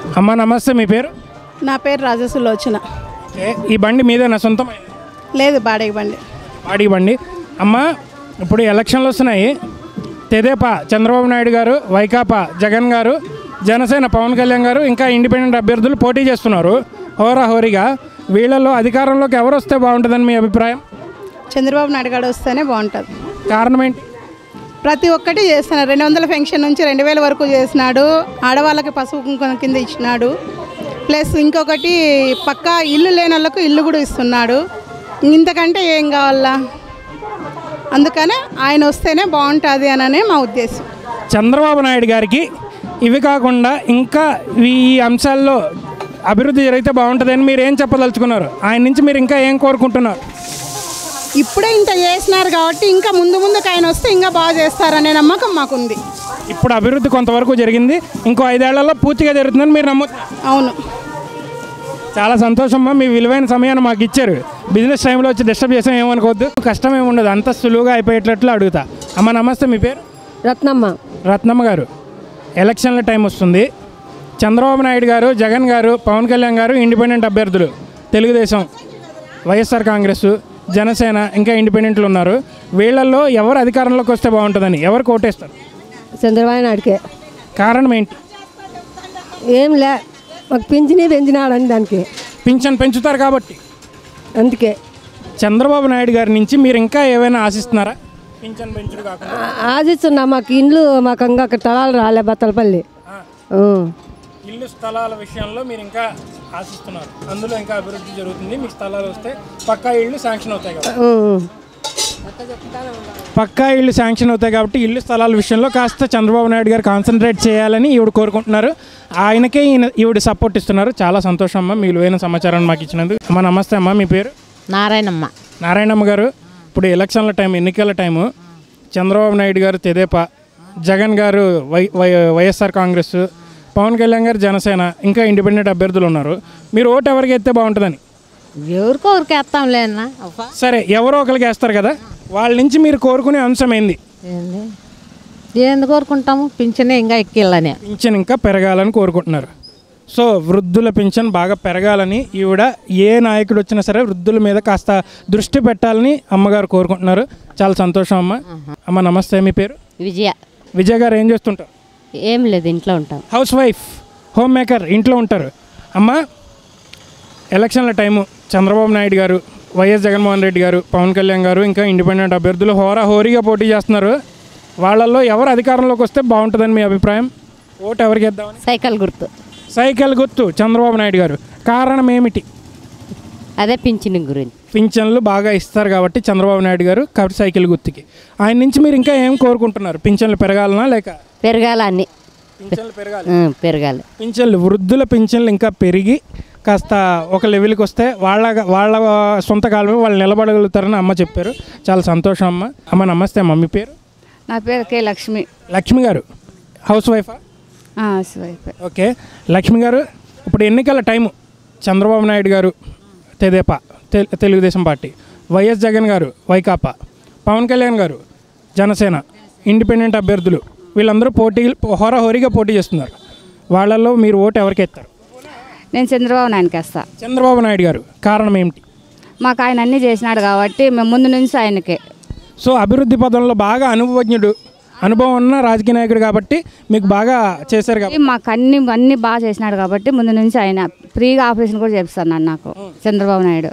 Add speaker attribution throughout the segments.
Speaker 1: అమ్మ నమస్తే, మీ పేరు?
Speaker 2: నా పేరు రాజసులోచన.
Speaker 1: ఈ బండి మీదేనా సొంతమైన?
Speaker 2: లేదు, బాడీ బండి.
Speaker 1: బాడీ బండి. అమ్మ ఇప్పుడు ఎలక్షన్లు వస్తున్నాయి. తెదేపా చంద్రబాబు నాయుడు గారు, వైకాపా జగన్ గారు, జనసేన పవన్ కళ్యాణ్ గారు, ఇంకా ఇండిపెండెంట్ అభ్యర్థులు పోటీ చేస్తున్నారు హోరాహోరీగా. వీళ్ళలో అధికారంలోకి ఎవరు వస్తే బాగుంటుందని మీ అభిప్రాయం?
Speaker 2: చంద్రబాబు నాయుడు గారు వస్తేనే బాగుంటుంది.
Speaker 1: కారణం ఏంటి?
Speaker 2: ప్రతి ఒక్కటి చేస్తున్నారు. 200 పెన్షన్ నుంచి 2000 వరకు చేసినాడు. ఆడవాళ్ళకి పసుపు కుంకుమ కింద ఇచ్చినాడు. ప్లస్ ఇంకొకటి పక్కా ఇల్లు లేని వాళ్ళకు ఇల్లు కూడా ఇస్తున్నాడు. ఇంతకంటే ఏం కావాలా? అందుకనే ఆయన వస్తేనే బాగుంటుంది అననే మా ఉద్దేశం.
Speaker 1: చంద్రబాబు నాయుడు గారికి ఇవి కాకుండా ఇంకా ఈ అంశాల్లో అభివృద్ధి జరిగితే బాగుంటుందని మీరు ఏం చెప్పదలుచుకున్నారు? ఆయన నుంచి మీరు ఇంకా ఏం కోరుకుంటున్నారు?
Speaker 2: ఇప్పుడే ఇంత చేసినారు కాబట్టి ఇంకా ముందుకు ఆయన వస్తే ఇంకా బాగా చేస్తారనే నమ్మకం మాకుంది.
Speaker 1: ఇప్పుడు అభివృద్ధి కొంతవరకు జరిగింది, ఇంకో 5 ఏళ్లలో పూర్తిగా జరుగుతుందని మీరు నమ్ముతున్నారు?
Speaker 2: అవును.
Speaker 1: చాలా సంతోషమ్మా, మీ విలువైన సమయాన్ని మాకు ఇచ్చారు. బిజినెస్ టైంలో వచ్చి డిస్టర్బ్ చేసాం ఏమనుకోవద్దు. కష్టం ఏమి ఉండదు, అంత సులువుగా అయిపోయేటట్లు అడుగుతా. అమ్మ నమస్తే, మీ పేరు?
Speaker 3: రత్నమ్మ.
Speaker 1: రత్నమ్మ గారు, ఎలక్షన్ల టైం వస్తుంది. చంద్రబాబు నాయుడు గారు, జగన్ గారు, పవన్ కళ్యాణ్ గారు ఇండిపెండెంట్ అభ్యర్థులు. తెలుగుదేశం, వైఎస్ఆర్ కాంగ్రెస్, జనసేన, ఇంకా ఇండిపెండెంట్లు ఉన్నారు. వీళ్ళల్లో ఎవరు అధికారంలోకి వస్తే బాగుంటుందని ఎవరు కోటేస్తారు?
Speaker 3: చంద్రబాబు నాయుడుకే.
Speaker 1: కారణం ఏంటి?
Speaker 3: ఏం లే, మాకు పెంచినాడని దానికి.
Speaker 1: పింఛన్ పెంచుతారు కాబట్టి
Speaker 3: అందుకే.
Speaker 1: చంద్రబాబు నాయుడు గారి నుంచి మీరు ఇంకా ఏమైనా ఆశిస్తున్నారా? పింఛన్ పెంచుడు కాకుండా
Speaker 3: ఆశిస్తున్నా. మాకు ఇండ్లు మాకు ఇంకా అక్కడ తలాలు రాలే, బత్తలపల్లి.
Speaker 1: ఇల్లు స్థలాల విషయంలో మీరు ఇంకా ఆశిస్తున్నారు. అందులో ఇంకా అభివృద్ధి జరుగుతుంది. మీకు స్థలాలు వస్తే పక్కా ఇళ్ళు శాంక్షన్ అవుతాయి కదా. పక్కా ఇళ్ళు శాంక్షన్ అవుతాయి కాబట్టి ఇల్లు స్థలాల విషయంలో కాస్త చంద్రబాబు నాయుడు గారు కాన్సన్ట్రేట్ చేయాలని ఈవిడ కోరుకుంటున్నారు. ఆయనకే ఈవిడ సపోర్ట్ ఇస్తున్నారు. చాలా సంతోషం అమ్మ, మీ విలువైన సమాచారాన్ని మాకు ఇచ్చినందుకు. అమ్మ నమస్తే అమ్మ, మీ పేరు?
Speaker 4: నారాయణమ్మ.
Speaker 1: నారాయణమ్మ గారు, ఇప్పుడు ఎలక్షన్ల టైం, ఎన్నికల టైము. చంద్రబాబు నాయుడు గారు తెదేపా, జగన్ గారు వైఎస్ఆర్ కాంగ్రెస్, పవన్ కళ్యాణ్ గారు జనసేన, ఇంకా ఇండిపెండెంట్ అభ్యర్థులు ఉన్నారు. మీరు ఓటు ఎవరికి వేస్తే బాగుంటుందని?
Speaker 4: ఎవరికొరికి వేస్తాంలే అన్న.
Speaker 1: సరే, ఎవరో ఒకరికి వేస్తారు కదా, వాళ్ళ నుంచి మీరు కోరుకునే అంశం ఏంది?
Speaker 4: ఏంది కోరుకుంటాము? పింఛనే ఇంకా ఎక్కిళ్ళని.
Speaker 1: పింఛన్ ఇంకా పెరగాలని కోరుకుంటున్నారు. సో వృద్ధుల పింఛన్ బాగా పెరగాలని ఈవిడ, ఏ నాయకుడు వచ్చినా సరే వృద్ధుల మీద కాస్త దృష్టి పెట్టాలని అమ్మగారు కోరుకుంటున్నారు. చాలా సంతోషం అమ్మ. అమ్మ నమస్తే, మీ పేరు?
Speaker 4: విజయ.
Speaker 1: విజయ గారు ఏం చేస్తుంటారు?
Speaker 4: ఏం లేదు, ఇంట్లో ఉంటాం.
Speaker 1: హౌస్ వైఫ్, హోమ్ మేకర్, ఇంట్లో ఉంటారు. అమ్మ ఎలక్షన్ల టైము, చంద్రబాబు నాయుడు గారు, వైఎస్ జగన్మోహన్ రెడ్డి గారు, పవన్ కళ్యాణ్ గారు, ఇంకా ఇండిపెండెంట్ అభ్యర్థులు హోరాహోరీగా పోటీ చేస్తున్నారు. వాళ్ళల్లో ఎవరు అధికారంలోకి వస్తే బాగుంటుందని మీ అభిప్రాయం? ఓటు ఎవరికి వేద్దామని?
Speaker 4: సైకిల్ గుర్తు.
Speaker 1: సైకిల్ గుర్తు చంద్రబాబు నాయుడు గారు. కారణం ఏమిటి?
Speaker 4: అదే పింఛన్ గురించి.
Speaker 1: పింఛన్లు బాగా ఇస్తారు కాబట్టి చంద్రబాబు నాయుడు గారు, కాబట్టి సైకిల్ గుర్తుకి. ఆయన నుంచి మీరు ఇంకా ఏం కోరుకుంటున్నారు? పింఛన్లు పెరగాలనా లేక?
Speaker 4: పెరగాల అన్ని.
Speaker 1: పింఛన్లు పెరగాలి.
Speaker 4: పెరగాలి.
Speaker 1: పింఛన్లు, వృద్ధుల పింఛన్లు ఇంకా పెరిగి కాస్త ఒక లెవెల్కి వస్తే వాళ్ళ సొంత కాలమే వాళ్ళు నిలబడగలుగుతారని అమ్మ చెప్పారు. చాలా సంతోషం అమ్మ. అమ్మ నమస్తే అమ్మ, మీ పేరు?
Speaker 2: నా పేరు కే లక్ష్మి.
Speaker 1: లక్ష్మి గారు హౌస్ వైఫా?
Speaker 2: Housewife.
Speaker 1: ఓకే. లక్ష్మి గారు, ఇప్పుడు ఎన్నికల టైము. చంద్రబాబు నాయుడు గారు తెదేపా, తెలుగుదేశం పార్టీ, వైఎస్ జగన్ గారు వైకాపా, పవన్ కళ్యాణ్ గారు జనసేన, ఇండిపెండెంట్ అభ్యర్థులు, వీళ్ళందరూ హోరాహోరీగా పోటీ చేస్తున్నారు. వాళ్ళల్లో మీరు ఓటు ఎవరికి వేస్తారు?
Speaker 2: నేను చంద్రబాబు నాయుడుకి వేస్తా.
Speaker 1: చంద్రబాబు నాయుడు గారు. కారణం ఏమిటి?
Speaker 2: మాకు ఆయన అన్నీ చేసినాడు కాబట్టి మేము ముందు నుంచి ఆయనకే.
Speaker 1: సో అభివృద్ధి పదంలో బాగా అనుభవం ఉన్న రాజకీయ నాయకుడు కాబట్టి మీకు బాగా చేశారు కాబట్టి.
Speaker 2: మాకు అన్ని బాగా చేసినాడు కాబట్టి ముందు నుంచి ఆయన ఫ్రీగా ఆపరేషన్ కూడా చేపిస్తాను నాకు చంద్రబాబు నాయుడు.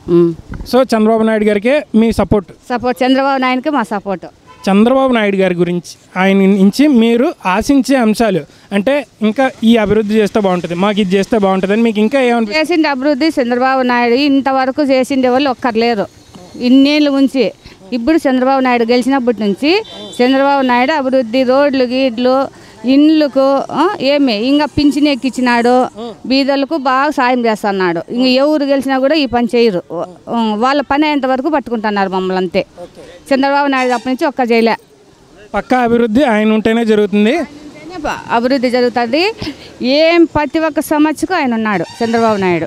Speaker 1: సో చంద్రబాబు నాయుడు గారికే మీ సపోర్ట్?
Speaker 2: చంద్రబాబు నాయుడుకి మా సపోర్ట్.
Speaker 1: చంద్రబాబు నాయుడు గారి గురించి, ఆయన నుంచి మీరు ఆశించే అంశాలు అంటే ఇంకా ఈ అభివృద్ధి చేస్తే బాగుంటుంది, మాకు ఇది చేస్తే బాగుంటుంది అని మీకు ఇంకా ఏమన్నా
Speaker 2: చేసిండే అభివృద్ధి? చంద్రబాబు నాయుడు ఇంతవరకు చేసిండే వాళ్ళు ఒక్కరు లేరు ఇన్నేళ్ళు ఉంచి. ఇప్పుడు చంద్రబాబు నాయుడు గెలిచినప్పటి నుంచి చంద్రబాబు నాయుడు అభివృద్ధి, రోడ్లు, గీడ్లు, ఇండ్లకు ఏమి ఇంకా పింఛన్ ఎక్కించినాడు. బీదలకు బాగా సాయం చేస్తున్నాడు. ఇంక ఎవరు గెలిచినా కూడా ఈ పని చేయరు. వాళ్ళ పని అయ్యేంత వరకు పట్టుకుంటున్నారు మమ్మల్ని అంతే. చంద్రబాబు నాయుడు అప్పటి నుంచి ఒక్క చేయలే.
Speaker 1: పక్కా అభివృద్ధి ఆయన ఉంటేనే జరుగుతుంది.
Speaker 2: అభివృద్ధి జరుగుతుంది. ఏం ప్రతి ఒక్క సమస్యకు ఆయన ఉన్నాడు చంద్రబాబు నాయుడు.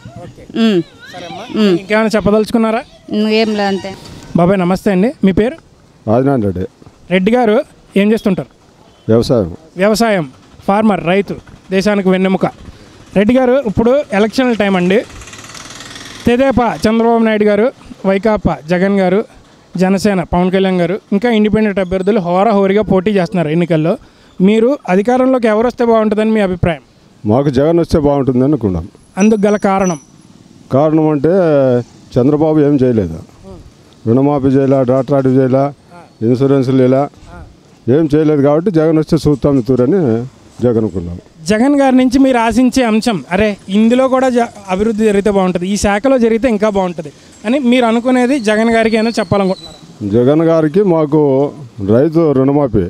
Speaker 1: ఇంకేమైనా చెప్పదలుచుకున్నారా?
Speaker 2: ఏం లేదంతే.
Speaker 1: బాబాయ్ నమస్తే అండి, మీ పేరు?
Speaker 5: రాజనారాయణ రెడ్డి.
Speaker 1: రెడ్డి గారు ఏం చేస్తుంటారు?
Speaker 5: వ్యవసాయం.
Speaker 1: వ్యవసాయం, ఫార్మర్, రైతు, దేశానికి వెన్నెముక. రెడ్డి గారు, ఇప్పుడు ఎలక్షన్ల టైం అండి. తెదేపా చంద్రబాబు నాయుడు గారు, వైకాపా జగన్ గారు, జనసేన పవన్ కళ్యాణ్ గారు, ఇంకా ఇండిపెండెంట్ అభ్యర్థులు హోరాహోరీగా పోటీ చేస్తున్నారు ఎన్నికల్లో. మీరు అధికారంలోకి ఎవరు వస్తే బాగుంటుందని మీ అభిప్రాయం?
Speaker 5: మాకు జగన్ వస్తే బాగుంటుంది అనుకున్నాం.
Speaker 1: అందుకు గల కారణం
Speaker 5: అంటే చంద్రబాబు ఏం చేయలేదు. రుణమాఫీ చేయలే, డాక్టర్ ఆర్డర్ చేయలే, ఇన్సూరెన్స్లు ఇలా ఏం చేయలేదు. కాబట్టి జగన్ వస్తే చూస్తాం తూరని జగన్ అనుకున్నాం.
Speaker 1: జగన్ గారి నుంచి మీరు ఆశించే అంశం, అరే ఇందులో కూడా అభివృద్ధి జరిగితే బాగుంటుంది, ఈ శాఖలో జరిగితే ఇంకా బాగుంటుంది అని మీరు అనుకునేది జగన్ గారికి ఏమైనా చెప్పాలనుకుంటున్నారు?
Speaker 5: జగన్ గారికి మాకు రైతుల రుణమాఫీ,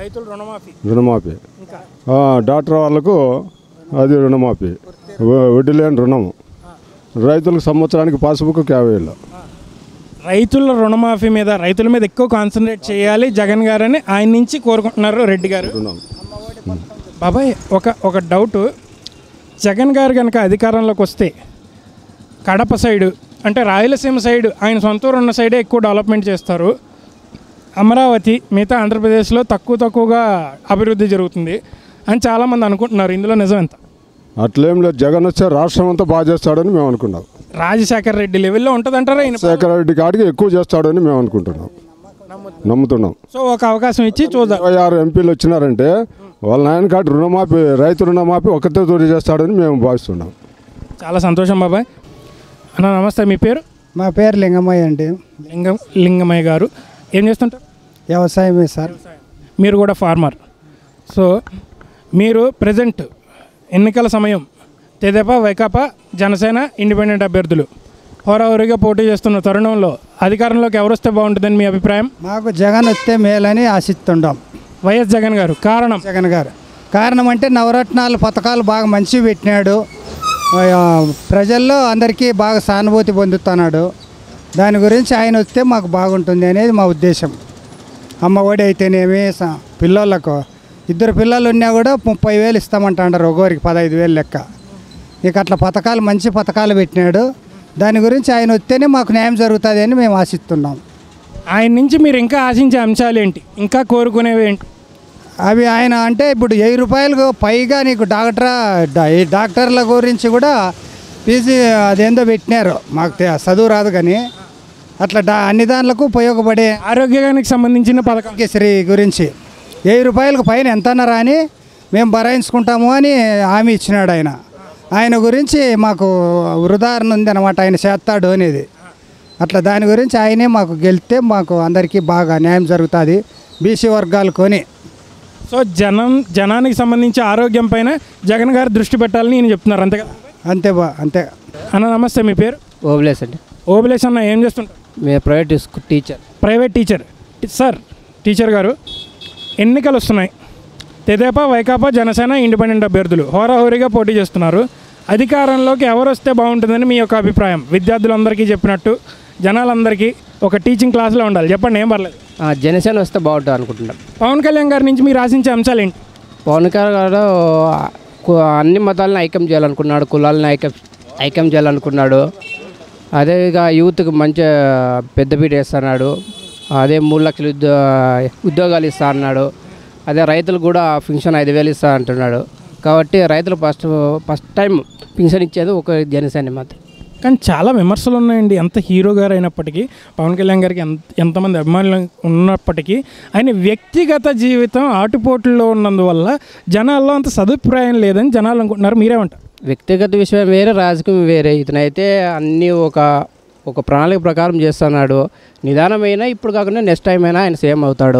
Speaker 5: డాక్టర్ వాళ్ళకు అది రుణమాఫీ, వడ్డీ లేని రుణము, రైతులకు సంవత్సరానికి పాస్బుక్ 50,000.
Speaker 1: రైతుల రుణమాఫీ మీద, రైతుల మీద ఎక్కువ కాన్సన్ట్రేట్ చేయాలి జగన్ గారని ఆయన నుంచి కోరుకుంటున్నారు రెడ్డి గారు. బాబాయ్, ఒక డౌటు, జగన్ గారు కనుక అధికారంలోకి వస్తే కడప సైడు అంటే రాయలసీమ సైడ్ ఆయన సొంత ఊరు ఉన్న సైడే ఎక్కువ డెవలప్మెంట్ చేస్తారు, అమరావతి మిగతా ఆంధ్రప్రదేశ్లో తక్కువగా అభివృద్ధి జరుగుతుంది అని చాలామంది అనుకుంటున్నారు. ఇందులో నిజం ఎంత?
Speaker 5: అట్లేం లేదు. జగన్ వస్తే రాష్ట్రం అంతా బాగా చేస్తాడని మేము అనుకున్నాం.
Speaker 1: రాజశేఖర రెడ్డి లెవెల్లో ఉంటుందంటారా?
Speaker 5: రాజశేఖర రెడ్డి కాడికి ఎక్కువ చేస్తాడని మేము అనుకుంటున్నాం, నమ్ముతున్నాం.
Speaker 1: సో ఒక అవకాశం ఇచ్చి చూద్దాం.
Speaker 5: 26 ఎంపీలు వచ్చినారంటే వాళ్ళ నాయన కాటి రుణమాఫీ, రైతు రుణమాఫీ ఒక్కతే తోటి చేస్తాడని మేము భావిస్తున్నాం.
Speaker 1: చాలా సంతోషం బాబాయ్. అన్న నమస్తే, మీ పేరు?
Speaker 6: మా పేరు లింగమయ్య అండి.
Speaker 1: లింగమయ్య గారు ఏం చేస్తుంటారు?
Speaker 6: వ్యవసాయమే సార్.
Speaker 1: మీరు కూడా ఫార్మర్. సో మీరు ప్రజెంట్ ఎన్నికల సమయం, తెదేపా వైకాపా జనసేన ఇండిపెండెంట్ అభ్యర్థులు హోరాహోరీగా పోటీ చేస్తున్న తరుణంలో అధికారంలోకి ఎవరు వస్తే బాగుంటుందని మీ అభిప్రాయం?
Speaker 6: మాకు జగన్ వస్తే మేలని ఆశిస్తుంటాం.
Speaker 1: వైఎస్ జగన్ గారు. కారణం?
Speaker 6: జగన్ గారు కారణం అంటే నవరత్నాలు పథకాలు బాగా మంచివి పెట్టినాడు, ప్రజల్లో అందరికీ బాగా సానుభూతి పొందుతున్నాడు. దాని గురించి ఆయన వస్తే మాకు బాగుంటుంది అనేది మా ఉద్దేశం. అమ్మఒడి అయితేనేమి, పిల్లలకు 2 పిల్లలు ఉన్నా కూడా 30,000 ఇస్తామంటారు, ఒకరికి 15,000 లెక్క. ఇక అట్లా పథకాలు, మంచి పథకాలు పెట్టినాడు. దాని గురించి ఆయన వస్తేనే మాకు న్యాయం జరుగుతుంది అని మేము ఆశిస్తున్నాం.
Speaker 1: ఆయన నుంచి మీరు ఇంకా ఆశించే అంశాలు ఏంటి, ఇంకా కోరుకునేవి ఏంటి?
Speaker 6: అవి ఆయన అంటే ఇప్పుడు 1000 రూపాయలకు పైగా నీకు డాక్టర్ల గురించి కూడా పీజీ అదేందో పెట్టినారు, మాకు చదువు రాదు కానీ అట్లా అన్ని దానిలకు ఉపయోగపడే
Speaker 1: ఆరోగ్యానికి సంబంధించిన పథకం
Speaker 6: శ్రీ గురించి 1000 రూపాయలకు పైన ఎంత అన్నారా అని మేము భరాయించుకుంటాము అని హామీ ఇచ్చినాడు ఆయన. ఆయన గురించి మాకు ఉదాహరణ ఉంది అనమాట, ఆయన చేస్తాడు అనేది. అట్లా దాని గురించి ఆయనే మాకు గెలిస్తే మాకు అందరికీ బాగా న్యాయం జరుగుతుంది, బీసీ వర్గాలు కొని.
Speaker 1: సో జనానికి సంబంధించి ఆరోగ్యం పైన జగన్ గారు దృష్టి పెట్టాలని నేను చెప్తున్నారు, అంతేగా?
Speaker 6: అంతే.
Speaker 1: అన్న నమస్తే, మీ పేరు?
Speaker 7: ఓబులేస్ అండి.
Speaker 1: ఓబులేస్ అన్న ఏం చేస్తుంటారు?
Speaker 7: మేము ప్రైవేట్ టీచర్.
Speaker 1: సార్, టీచర్ గారు, ఎన్నికలు వస్తున్నాయి. తెదేపా వైకాపా జనసేన ఇండిపెండెంట్ అభ్యర్థులు హోరాహోరీగా పోటీ చేస్తున్నారు. అధికారంలోకి ఎవరు వస్తే బాగుంటుందని మీ యొక్క అభిప్రాయం? విద్యార్థులందరికీ చెప్పినట్టు జనాలందరికీ ఒక టీచింగ్ క్లాస్లో ఉండాలి, చెప్పండి, ఏం పర్లేదు.
Speaker 7: జనసేన వస్తే బాగుంటుంది అనుకుంటున్నాం.
Speaker 1: పవన్ కళ్యాణ్ గారి నుంచి మీరు ఆశించే అంశాలు ఏంటి?
Speaker 7: పవన్ కళ్యాణ్ గారు అన్ని మతాలను ఐక్యం చేయాలనుకున్నాడు, కులాలను ఐక్యం చేయాలనుకున్నాడు. అదే ఇక యూత్కి మంచి పెద్దపీట వేస్తున్నాడు. అదే 3 లక్షల ఉద్యోగాలు ఇస్తా అన్నాడు. అదే రైతులు కూడా పింఛన్ 5,000 ఇస్తా అంటున్నాడు. కాబట్టి రైతులు ఫస్ట్ టైం పింఛన్ ఇచ్చేది ఒక జనసేన మాత్రం.
Speaker 1: కానీ చాలా విమర్శలు ఉన్నాయండి. ఎంత హీరో గారు అయినప్పటికీ, పవన్ కళ్యాణ్ గారికి ఎంతమంది అభిమానులు ఉన్నప్పటికీ, ఆయన వ్యక్తిగత జీవితం ఆటుపోటుల్లో ఉన్నందువల్ల జనాల్లో అంత సదుపాయం లేదని జనాలు అనుకుంటున్నారు. మీరేమంటారు?
Speaker 7: వ్యక్తిగత విషయం వేరే, రాజకీయం వేరే. ఇతనైతే అన్నీ ఒక ప్రణాళిక ప్రకారం చేస్తున్నాడు. నిదానమైన ఇప్పుడు కాకుండా నెక్స్ట్ టైం అయినా ఆయన సేమ్ అవుతాడు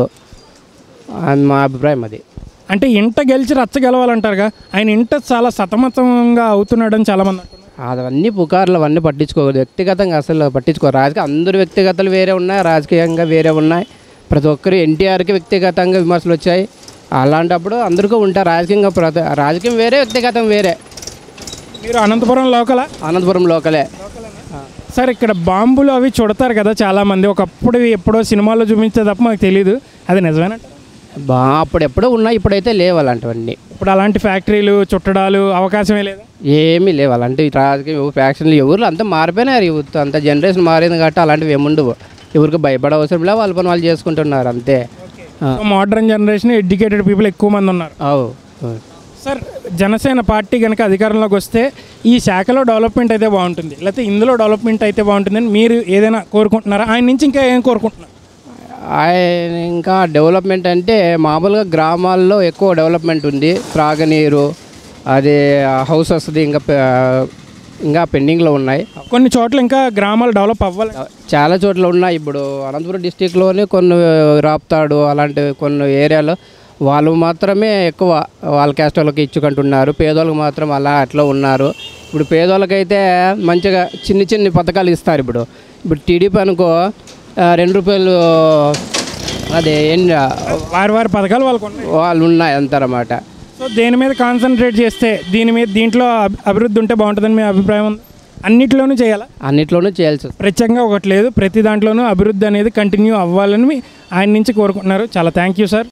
Speaker 7: అని మా అభిప్రాయం. అది
Speaker 1: అంటే ఇంట గెలిచి రచ్చ గెలవాలంటారుగా, ఆయన ఇంట చాలా సతమతంగా అవుతున్నాడని చాలామంది అంటున్నారు.
Speaker 7: అవన్నీ పుకార్లు అవన్నీ పట్టించుకోకూడదు. వ్యక్తిగతంగా అసలు పట్టించుకోరు. రాజకీయ అందరు వ్యక్తిగతలు వేరే ఉన్నాయి, రాజకీయంగా వేరే ఉన్నాయి. ప్రతి ఒక్కరు ఎన్టీఆర్కి వ్యక్తిగతంగా విమర్శలు వచ్చాయి. అలాంటప్పుడు అందరికీ ఉంటారు. రాజకీయం వేరే, వ్యక్తిగతం వేరే.
Speaker 1: మీరు అనంతపురం లోకలా?
Speaker 7: అనంతపురం లోకలే
Speaker 1: సార్. ఇక్కడ బాంబులు అవి చుడతారు కదా చాలామంది, ఒకప్పుడు ఎప్పుడో సినిమాల్లో చూపించే తప్ప మాకు తెలియదు, అది నిజమేనా?
Speaker 7: అప్పుడు ఎప్పుడో ఉన్నాయి, ఇప్పుడైతే లేవు అలాంటివన్నీ.
Speaker 1: ఇప్పుడు అలాంటి ఫ్యాక్టరీలు చుట్టడాలు అవకాశమే లేదా?
Speaker 7: ఏమీ లేవు అలాంటివి. రాజకీయ ఫ్యాక్షన్లు ఎవరు అంతా మారిపోయినారు. యూత్ అంతా జనరేషన్ మారింది కాబట్టి అలాంటివి ఏముండవు. ఎవరికి భయపడే అవసరం లేదు, వాళ్ళ పని వాళ్ళు చేసుకుంటున్నారు అంతే.
Speaker 1: మోడర్న్ జనరేషన్, ఎడ్యుకేటెడ్ పీపుల్ ఎక్కువ మంది ఉన్నారు. సార్ జనసేన పార్టీ కనుక అధికారంలోకి వస్తే ఈ శాఖలో డెవలప్మెంట్ అయితే బాగుంటుంది, లేకపోతే ఇందులో డెవలప్మెంట్ అయితే బాగుంటుందని మీరు ఏదైనా కోరుకుంటున్నారా? ఆయన నుంచి ఇంకా ఏం కోరుకుంటున్నారు?
Speaker 7: ఆయన ఇంకా డెవలప్మెంట్ అంటే మామూలుగా గ్రామాల్లో ఎక్కువ డెవలప్మెంట్ ఉంది. త్రాగనీరు, అది హౌసెస్ ఇంకా పెండింగ్లో ఉన్నాయి.
Speaker 1: కొన్ని చోట్ల ఇంకా గ్రామాలు డెవలప్ అవ్వాలి.
Speaker 7: చాలా చోట్ల ఉన్నాయి. ఇప్పుడు అనంతపురం డిస్టిక్లోనే కొన్ని రాప్తాడు అలాంటి కొన్ని ఏరియాలో వాళ్ళు మాత్రమే ఎక్కువ వాళ్ళ క్యాస్ట్ వాళ్ళకి ఇచ్చుకుంటున్నారు. పేదోళ్ళకి మాత్రం అట్లా ఉన్నారు. ఇప్పుడు పేదోళ్ళకైతే మంచిగా చిన్ని పథకాలు ఇస్తారు. ఇప్పుడు టీడీపీ అనుకో 2 రూపాయలు అదే
Speaker 1: వారి పథకాలు
Speaker 7: వాళ్ళు ఉన్నాయి అంటారన్నమాట.
Speaker 1: సో దేని మీద కాన్సన్ట్రేట్ చేస్తే దీంట్లో అభివృద్ధి ఉంటే బాగుంటుందని మీ అభిప్రాయం ఉంది? అన్నిట్లోనూ చేయాలా?
Speaker 7: అన్నిట్లోనూ చేయాల్సి
Speaker 1: ప్రత్యేకంగా ఒకటి లేదు, ప్రతి దాంట్లోనూ అభివృద్ధి అనేది కంటిన్యూ అవ్వాలని ఆయన నుంచి కోరుకుంటున్నారు. చాలా థ్యాంక్ యూ సార్.